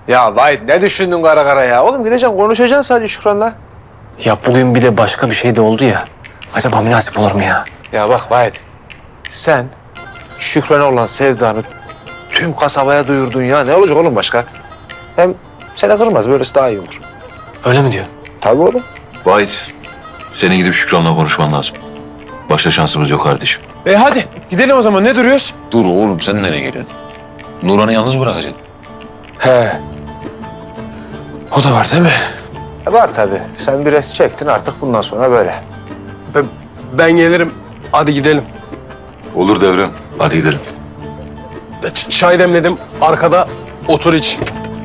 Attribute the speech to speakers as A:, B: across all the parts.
A: Ya Vahit ne düşündün kara kara ya? Oğlum gideceksin konuşacaksın sadece Şükran'la.
B: Ya bugün bir de başka bir şey de oldu ya. Acaba münasip olur mu ya?
A: Ya bak Vahit, sen Şükran'a olan sevdanı tüm kasabaya duyurdun ya. Ne olacak oğlum başka? Hem seni kırmaz, böylesi daha iyi olur.
B: Öyle mi diyor?
A: Tabii oğlum.
C: Vahit, senin gidip Şükran'la konuşman lazım. Başka şansımız yok kardeşim.
A: Hadi gidelim o zaman, ne duruyoruz?
C: Dur oğlum, sen nereye geliyorsun? Nurhan'ı yalnız bırakacaksın.
B: He. O da var değil mi?
A: Var tabii. Sen bir res çektin, artık bundan sonra böyle.
D: Ben gelirim. Hadi gidelim.
C: Olur Devrem, hadi gidelim.
D: Çay demledim. Arkada otur iç.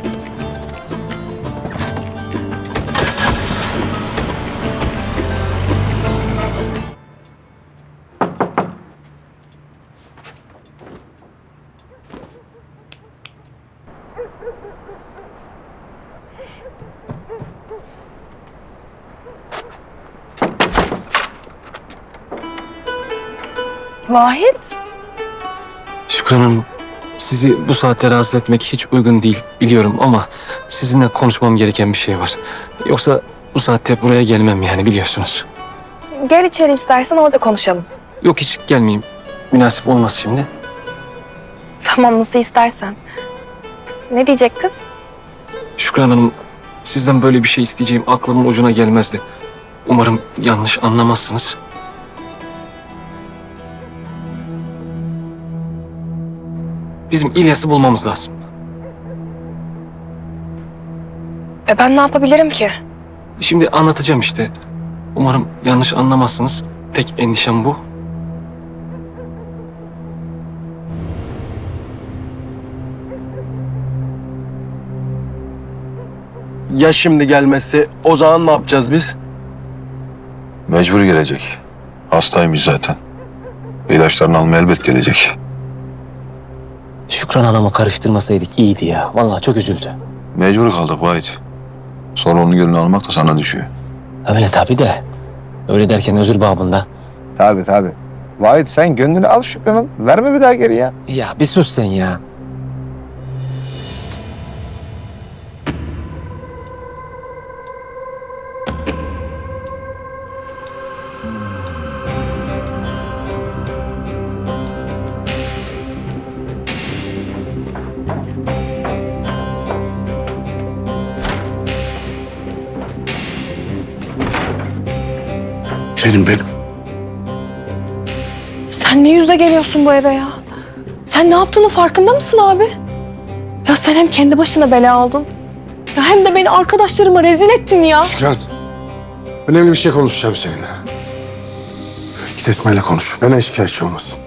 E: Vahit,
B: Şükran Hanım, sizi bu saatte rahatsız etmek hiç uygun değil biliyorum ama sizinle konuşmam gereken bir şey var. Yoksa bu saatte buraya gelmem yani biliyorsunuz.
E: gel içeri istersen orada konuşalım.
B: Yok hiç gelmeyeyim. Münasip olmaz şimdi.
E: Tamam, nasıl istersen. Ne diyecektin?
B: Şükran Hanım, sizden böyle bir şey isteyeceğim aklımın ucuna gelmezdi. Umarım yanlış anlamazsınız. Bizim İlyas'ı bulmamız lazım.
E: Ben ne yapabilirim ki?
B: Şimdi anlatacağım işte. Umarım yanlış anlamazsınız. Tek endişem bu.
D: Ya şimdi gelmezse o zaman ne yapacağız biz?
C: Mecbur gelecek. Hastaymış zaten. İlaçlarını almaya elbet gelecek.
B: Şükran Hanım'ı karıştırmasaydık iyiydi ya. Vallahi çok üzüldü.
C: Mecbur kaldık Vahit. Sonra onun gönlünü almak da sana düşüyor.
B: Öyle tabii de. Öyle derken özür babında.
A: Tabii. Vahit sen gönlünü al Şükran'ın. Verme bir daha geri ya.
B: Ya bir sus sen ya.
F: Benim.
E: Sen ne yüzle geliyorsun bu eve ya? Sen ne yaptığının farkında mısın abi? Ya sen hem kendi başına bela aldın. Ya hem de beni arkadaşlarıma rezil ettin ya.
F: Şükran, önemli bir şey konuşacağım seninle. Git Esma'yla konuş. Benden şikayetçi olmasın.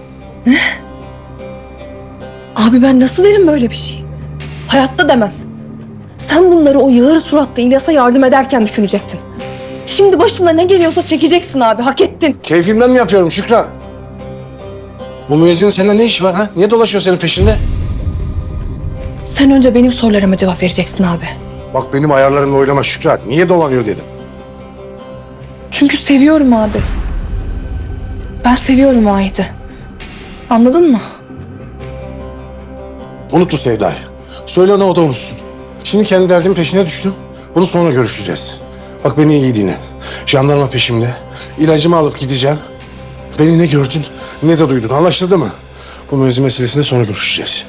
E: Abi ben nasıl derim böyle bir şey? Hayatta demem. Sen bunları o yağır suratlı İlyas'a yardım ederken düşünecektin. Şimdi başına ne geliyorsa çekeceksin abi, hak ettin.
F: Keyfimden mi yapıyorum Şükran? Bu müezzinin seninle ne işi var ha? Niye dolaşıyor senin peşinde?
E: Sen önce benim sorularıma cevap vereceksin abi.
F: Bak benim ayarlarımla oynama Şükran. Niye dolanıyor dedim.
E: Çünkü seviyorum abi. Ben seviyorum Vahit'i. Anladın mı?
F: Unut bu sevdayı. Söyle ona o da unutsun. Şimdi kendi derdimin peşine düştüm. Bunu sonra görüşeceğiz. Bak beni iyi dinle. Jandarma peşimde. İlacımı alıp gideceğim. Beni ne gördün ne de duydun. Anlaşıldı mı? Bu müezzin meselesinde sonra görüşeceğiz.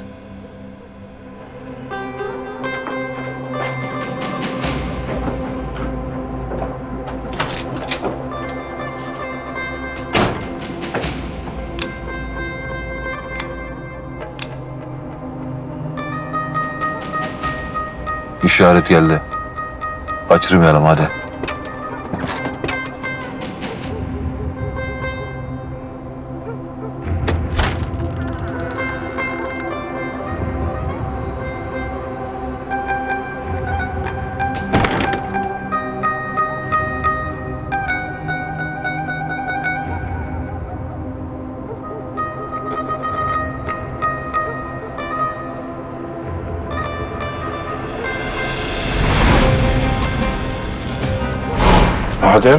C: İşaret geldi. Kaçırmayalım hadi.
F: Adem.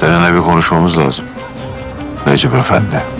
C: Seninle bir konuşmamız lazım. Necip Efendi.